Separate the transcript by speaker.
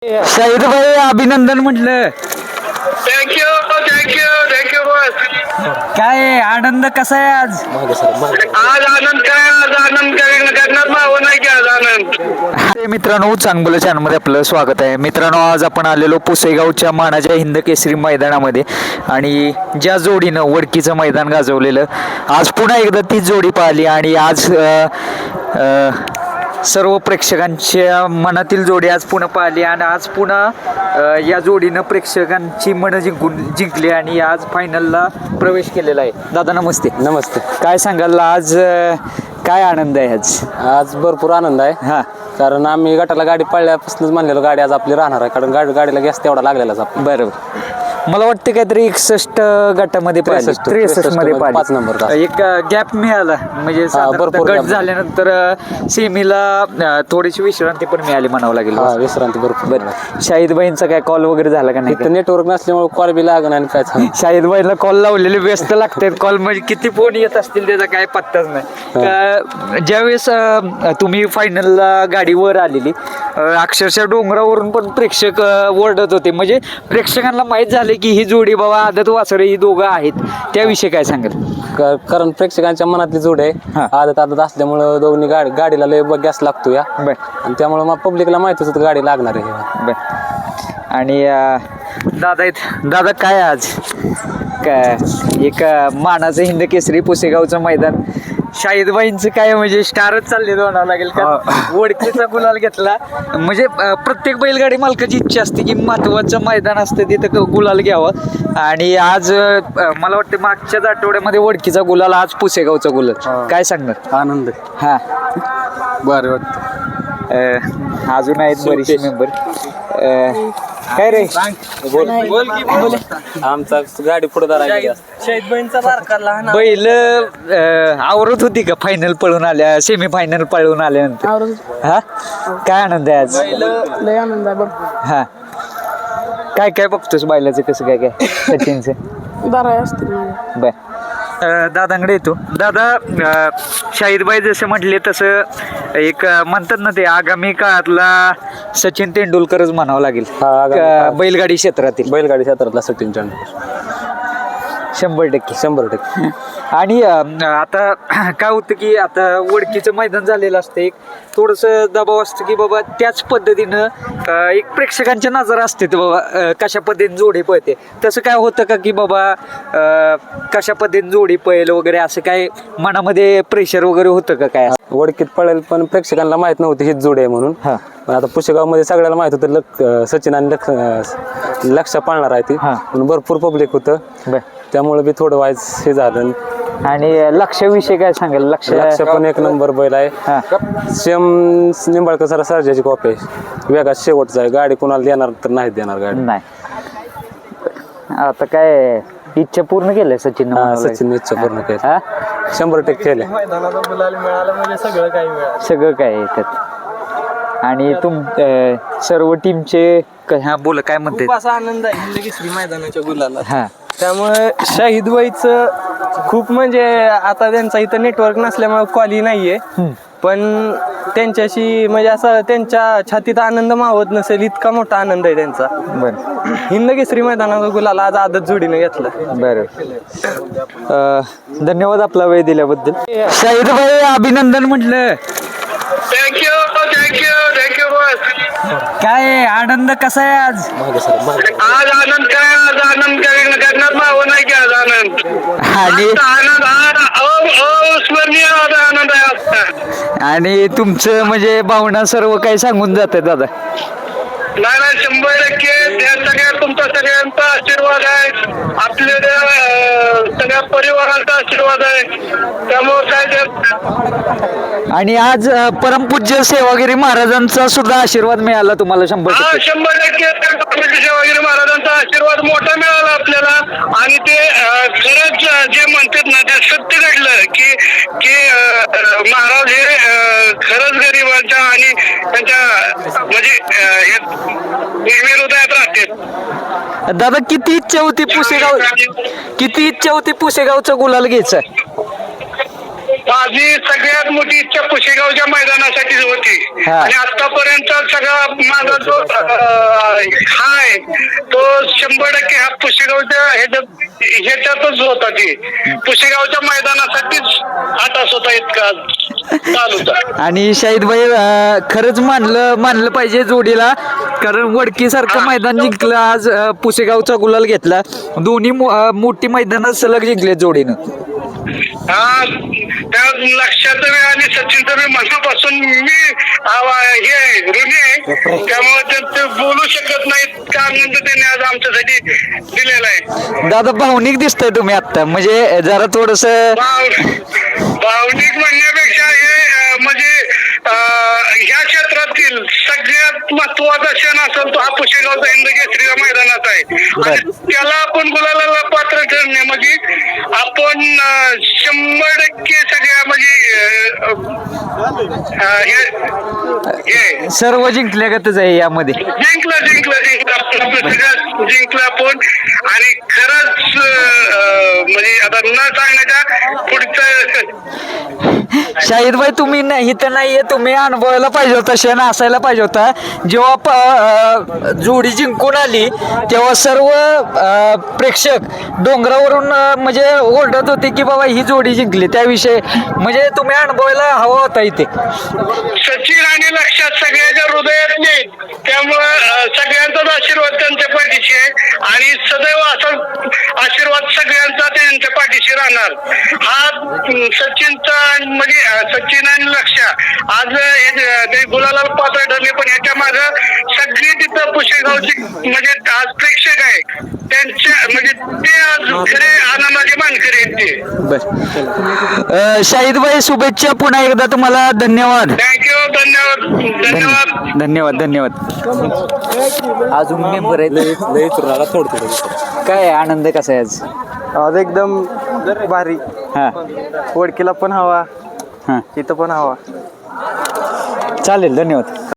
Speaker 1: शाहिद भाई अभिनंदन म्हटलं.
Speaker 2: थँक्यू थँक्यू थँक्यू बस.
Speaker 1: काय आनंद कसा आहे आज?
Speaker 2: आज आनंद काय, आज आनंद करणार माव नाही की आज आनंद.
Speaker 1: मित्रांनो, चांगलं चॅनलमध्ये आपलं स्वागत आहे. मित्रांनो, आज आपण आलेलो पुसेगावच्या मानाच्या हिंद केसरी मैदानामध्ये आणि ज्या जोडीनं वडकीचं मैदान गाजवलेलं, आज पुन्हा एकदा तीच जोडी पाहिली आणि आज सर्व प्रेक्षकांच्या मनातील जोडी आज पुन्हा पाहिली आणि आज पुन्हा या जोडीनं प्रेक्षकांची मनं जिंकली आणि आज फायनलला प्रवेश केलेला आहे. दादा नमस्ते.
Speaker 3: नमस्ते.
Speaker 1: काय सांगाल आज काय आनंद आहे आज?
Speaker 3: आज भरपूर आनंद आहे.
Speaker 1: हां,
Speaker 3: कारण आम्ही गटाला गाडी पळल्यापासूनच म्हणलेलो गाडी आज आपली राहणार आहे, कारण गाडीला गॅस तेवढा लागलेलाच आपण.
Speaker 1: बरोबर. मला वाटतं काहीतरी 61 गटामध्ये 63 मध्ये
Speaker 3: 5 नंबर
Speaker 1: एक गॅप मिळाला म्हणजे
Speaker 3: भरपूर
Speaker 1: गट
Speaker 3: gap.
Speaker 1: झाल्यानंतर सेमीला थोडीशी विश्रांती पण मिळाली म्हणावं लागेल.
Speaker 3: विश्रांती भरपूर.
Speaker 1: शाहिदबाईंचा काय कॉल वगैरे झाला का नाही?
Speaker 3: इथं नेटवर्क नसल्यामुळे कॉल बी लागणार आणि काय सांग.
Speaker 1: शाहिदबाईला कॉल लावलेले व्यस्त लागतात. कॉल म्हणजे किती फोन येत असतील त्याचा काय पत्ताच नाही. ज्यावेळेस तुम्ही फायनलला गाडीवर आलेली, अक्षरशः डोंगरावरून पण प्रेक्षक ओरडत होते. म्हणजे प्रेक्षकांना माहीत झाले की ही जोडी बाबा आदत वासरे ही दोघं आहेत. त्याविषयी काय सांगाल?
Speaker 3: कारण प्रेक्षकांच्या मनातली जोड आहे.
Speaker 1: हां.
Speaker 3: आदत असल्यामुळं दोन्ही गाडीला लय गॅस लागतो या,
Speaker 1: बर
Speaker 3: आणि त्यामुळे मग पब्लिकला माहितीच होतं गाडी लागणार आहे.
Speaker 1: बर. आणि दादा आहेत. दादा काय आज काय एक मानाचं हिंद केसरी पुसेगावचं मैदान, शाहिदबाईंचं काय म्हणजे स्टारच चालले म्हणावं लागेल का? वडकीचा गुलाल घेतला म्हणजे प्रत्येक बैलगाडी मालकाची इच्छा असते की महत्वाचं मैदान असतं तिथं गुलाल घ्यावं. आणि आज मला वाटतं मागच्याच आठवड्यामध्ये वडकीचा गुलाल, आज पुसेगावचा गुलाल. काय सांगणार?
Speaker 3: आनंद
Speaker 1: हां,
Speaker 3: बरं वाटतं.
Speaker 1: अजून आहेत बरीचसे मेंबर. काय रे?
Speaker 3: आमचा गाडी पुढे
Speaker 1: बैल आवरत होती का फायनल पळून आल्या, सेमी फायनल पळून आल्यानंतर? हा, काय आनंद आहे आज?
Speaker 4: लय आनंद आहे बघ.
Speaker 1: हा, काय काय बघतोस बैलाचं कसं काय काय सचिनचं?
Speaker 4: बरं असतील माझ्या.
Speaker 1: बर. दादांकडे येतो. दादा, शाहिदबाई जसं म्हटले तसं एक म्हणतात ना, ते आगामी काळातला सचिन तेंडुलकरच म्हणावं लागेल बैलगाडी
Speaker 3: क्षेत्रातला सचिन तेंडुलकर
Speaker 1: 100%.
Speaker 3: 100%.
Speaker 1: आणि आता काय होतं की आता वडकीचं मैदान झालेलं असतं, एक थोडंसं दबाव असतं की बाबा त्याच पद्धतीनं एक प्रेक्षकांच्या नजर असते ते बाबा कशा पद्धतीने जोडी पळते. तसं काय होतं का की बाबा कशा पद्धतीने जोडी पळेल वगैरे, असं काय मनामध्ये प्रेशर वगैरे होतं का काय?
Speaker 3: वडकीत पळेल पण प्रेक्षकांना माहित नव्हती हीच जोडी आहे म्हणून.
Speaker 1: हां.
Speaker 3: पण आता पुशेगावमध्ये सगळ्याला माहित होतं सचिन आणि लक्ष पाळणार आहे ती, म्हणून भरपूर पब्लिक होतं. त्यामुळे बी थोडं वाईज हे झालं.
Speaker 1: आणि लक्षाविषयी काय सांगाल?
Speaker 3: लक्ष पण एक नंबर बैल आहे. सेम निंबाळकर सर सर्जाची कॉपी आहे. वेगात शेवटचा आहे. गाडी कोणाला देणार तर नाही देणार गाडी.
Speaker 1: नाही. आता काय इच्छा पूर्ण केलंय सचिन?
Speaker 3: सचिन इच्छा पूर्ण केली. 100% केले.
Speaker 1: सगळं काय येतात. आणि सर्व टीमचे बोला काय म्हणते?
Speaker 5: खूप असा आनंद आहे हिंद केसरी मैदानाच्या गुलाला.
Speaker 1: हा,
Speaker 5: त्यामुळे शाहिदबाईचं खूप म्हणजे आता त्यांचा इथं नेटवर्क नसल्यामुळे कॉली नाहीये, पण त्यांच्याशी म्हणजे असं त्यांच्या छातीत आनंद मावत नसेल इतका मोठा आनंद आहे त्यांचा.
Speaker 1: बरं.
Speaker 5: हिंद केसरी मैदानाचा गुलाल आज आदत जोडीने घेतला.
Speaker 1: बरं. धन्यवाद आपला वेळ दिल्याबद्दल. शाहिद भाई अभिनंदन म्हटलं.
Speaker 2: थँक्यू थँक्यू थँक्यू बस.
Speaker 1: काय आनंद कसा आहे आज?
Speaker 2: आज आनंद काय, आज आनंद करणार माव नाही की आज आनंद.
Speaker 1: आणि
Speaker 2: आनंद अविस्मरणीय आनंद आहे आजचा.
Speaker 1: आणि तुमचं म्हणजे भावना सर्व काही सांगून जाते दादा.
Speaker 2: नाही 100% त्या सगळ्या तुमचा सगळ्यांचा आशीर्वाद आहे, आपल्या सगळ्या परिवाराचा आशीर्वाद आहे. त्यामुळे काय
Speaker 1: आणि आज परमपूज्य सेवागिरी महाराजांचा सुद्धा आशीर्वाद मिळाला तुम्हाला 100%.
Speaker 2: 100% सेवागिरी महाराजांचा आशीर्वाद मोठा मिळाला आपल्याला. आणि ते खरंच जे म्हणतात ना ते सत्य घडलं की महाराज हे खरंच गरिबांच्या आणि त्यांच्या म्हणजे हृदयात राहते.
Speaker 1: दादा, किती इच्छा होती पुसेगावचं गुलाल घ्यायचं?
Speaker 2: माझी सगळ्यात मोठी इच्छा पुशेगावच्या मैदानासाठीच होती
Speaker 1: हा.
Speaker 2: आणि आतापर्यंत सगळा माझा जो हाय तो 100% हा पुशेगावच्या ह्याच्यातच होता. ती पुशेगावच्या मैदानासाठीच हा तास होता इतका चालू होता.
Speaker 1: आणि शाहिदभाई खरंच मानलं पाहिजे जोडीला, कारण वडकी सारखं मैदान जिंकलं आज, पुसेगावचा गुलाल घेतला, दोन्ही मोठी मैदानात सलग जिंकले जोडीनं.
Speaker 2: हा त्या लक्षात आणि सचिनचं मी मनापासून मी हे ऋणी आहे, त्यामुळे ते बोलू शकत नाहीत का आनंद त्यांनी आज आमच्यासाठी दिलेला आहे.
Speaker 1: दादा भावनिक दिसतंय तुम्ही आता, म्हणजे जरा थोडस
Speaker 2: भावनिक म्हणण्यापेक्षा हे म्हणजे ह्या क्षेत्रातील सगळ्यात महत्वाचा क्षण असेल तो हा पुशेगावचा हिंद केसरीच्या मैदानात आहे आणि त्याला आपण गुलाला पात्र ठरणे म्हणजे आपण 100% सगळ्या म्हणजे
Speaker 1: सर्व जिंकल्यागतच आहे यामध्ये.
Speaker 2: जिंकलं सगळं जिंकलं आपण आणि खरंच म्हणजे आता न सांगण्याच्या पुढचं.
Speaker 1: शाहिदभाई तुम्ही इथं नाहीये, तुम्ही अनुभवायला पाहिजे होता, क्षण असायला पाहिजे होता. जेव्हा जोडी जिंकून आली तेव्हा सर्व प्रेक्षक डोंगरावरून म्हणजे ओरडत होते की बाबा ही जोडी जिंकली, त्याविषयी म्हणजे तुम्ही अनुभवायला हवा होता इथे.
Speaker 2: सचिन आणि लक्षात सगळ्याच्या हृदयात नाही, त्यामुळं सगळ्यांचाच आशीर्वाद त्यांच्या पाठीशी आहे आणि सदैव असा आशीर्वाद सगळ्यांचा त्यांच्या पाठीशी राहणार. हा सचिनचा म्हणजे सचिन आणि लक्ष आज ते गुलाला पात्र ठरले, पण याच्या माग सगळी तिथं पुशेगावची म्हणजे आज प्रेक्षक आहे त्यांच्या म्हणजे ते आज खरे आनंदाचे मानकरी आहेत ते.
Speaker 1: बर शाहिदभाई, शुभेच्छा पुन्हा एकदा तुम्हाला. धन्यवाद.
Speaker 2: थँक्यू. धन्यवाद.
Speaker 1: धन्यवाद. धन्यवाद. अजून मेंबर आहेत, काय आनंद कसा आहे आज?
Speaker 5: आज एकदम भारी.
Speaker 1: हा
Speaker 5: वडकीला पण हवा,
Speaker 1: हा
Speaker 5: इथं पण हवा.
Speaker 1: चालेल. धन्यवाद.